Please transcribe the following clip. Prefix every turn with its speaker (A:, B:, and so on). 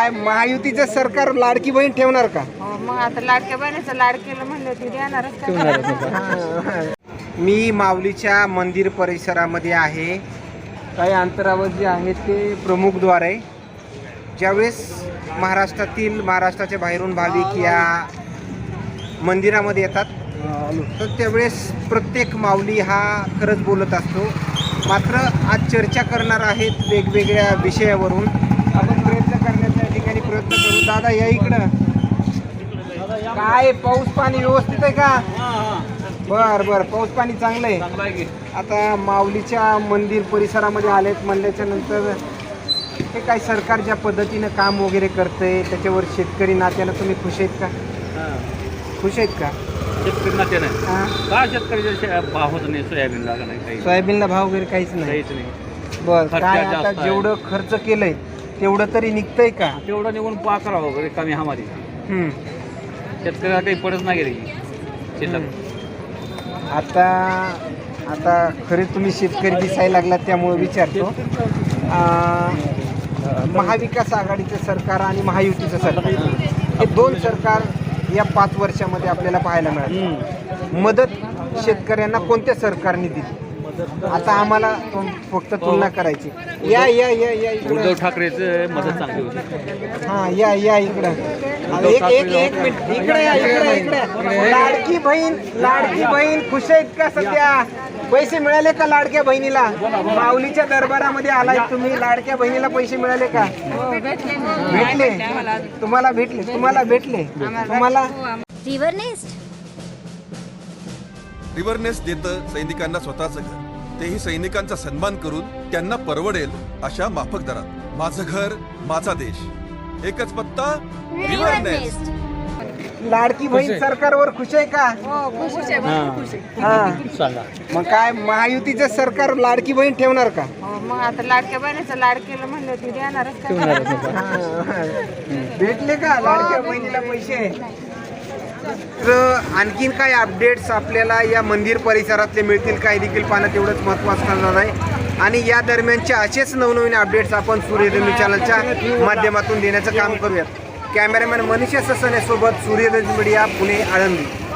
A: काय महायुतीचं सरकार लाडकी बहीण ठेवणार का?
B: हो, मग आता लाडक्या बहिणीचं लाड केलं म्हणलं ती देणारच का?
A: मी माऊलीच्या मंदिर परिसरामध्ये आहे. काही अंतरावर जे आहे ते प्रमुखद्वार आहे. ज्यावेळेस महाराष्ट्राच्या बाहेरून भाविक या मंदिरामध्ये येतात तर त्यावेळेस प्रत्येक माऊली हा खरंच बोलत असतो. मात्र आज चर्चा करणार आहेत वेगवेगळ्या विषयावरून. आपण प्रयत्न करण्याच्या ठिकाणी प्रयत्न करू. दादा या इकडं. काय पाऊस पाणी व्यवस्थित आहे का? बर पाऊस पाणी चांगलं आहे. आता माऊलीच्या मंदिर परिसरामध्ये आलेत म्हणल्याच्या नंतर हे काय सरकार ज्या पद्धतीनं काम वगैरे करतंय त्याच्यावर शेतकरी नात्यानं तुम्ही खुश आहेत का? खुश आहेत का?
C: शेतकरी नात्यानं का शेतकऱ्याचा भाव होत नाही सोयाबीनला का नाही काही
A: सोयाबीनला भाव वगैरे काहीच नाही.
C: काहीच नाही.
A: बर
C: खर्च
A: काय
C: जास्त
A: आता
C: आहे.
A: जेवढं खर्च केलंय तेवढं तरी निघतंय का?
C: तेवढं निघून पा करावं वगैरे कमी हमारी शेतकऱ्याला काही पडत नाही गेली शेतात.
A: आता खरे तुम्ही शेतकरी दिसायला लागलात त्यामुळे विचारतो. महाविकास आघाडीचं सरकार आणि महायुतीचं सरकार हे दोन सरकार या 5 वर्षामध्ये आपल्याला पाहायला मिळालं. मदत शेतकऱ्यांना कोणत्या सरकारने दिली? आता आम्हाला फक्त तुलना करायची. या या या या
C: उद्धव
A: इकडं.
C: ठाकरेचं मदत चांगली होती.
A: हा या इकडं. एक मिनिट इकडे या इकडे. लाडकी बहीण खुश आहेत का सध्या? पैसे मिळाले का लाडक्या बहिणीला? माऊलीच्या दरबारामध्ये आलाय तुम्ही, लाडक्या बहिणीला पैसे मिळाले का? भेटले तुम्हाला?
D: रिव्हरनेस देतं सैनिकांना स्वतःचं घर, तेही सैनिकांचा सन्मान करून त्यांना परवडेल अशा माफक दरात. माझं घर माझा देश, एकच पत्ता रिव्हरनेस.
A: लाडकी बहीण सरकारवर खुश आहे का?
B: हो, खुश आहे, भरपूर खुश आहे.
A: हा. मग काय महायुतीचं सरकार लाडकी बहीण ठेवणार का?
B: हो, मग आता लाडक्या बहिणीचं लाड केलं म्हणलं ती देणारच का?
A: भेटले का लाडक्या बहिणीला पैसे? तर आणखीन काय अपडेट्स आपल्याला या मंदिर परिसरातले मिळतील काय देखील पाहणं तेवढंच महत्त्वाचं ठरणार आहे. आणि या दरम्यानचे असेच नवनवीन अपडेट्स आपण सूर्यधनु चॅनलच्या माध्यमातून देण्याचं काम करूयात. कॅमेरामॅन मनीष ससने सोबत सूर्यधनु मीडिया पुणे आळंदी.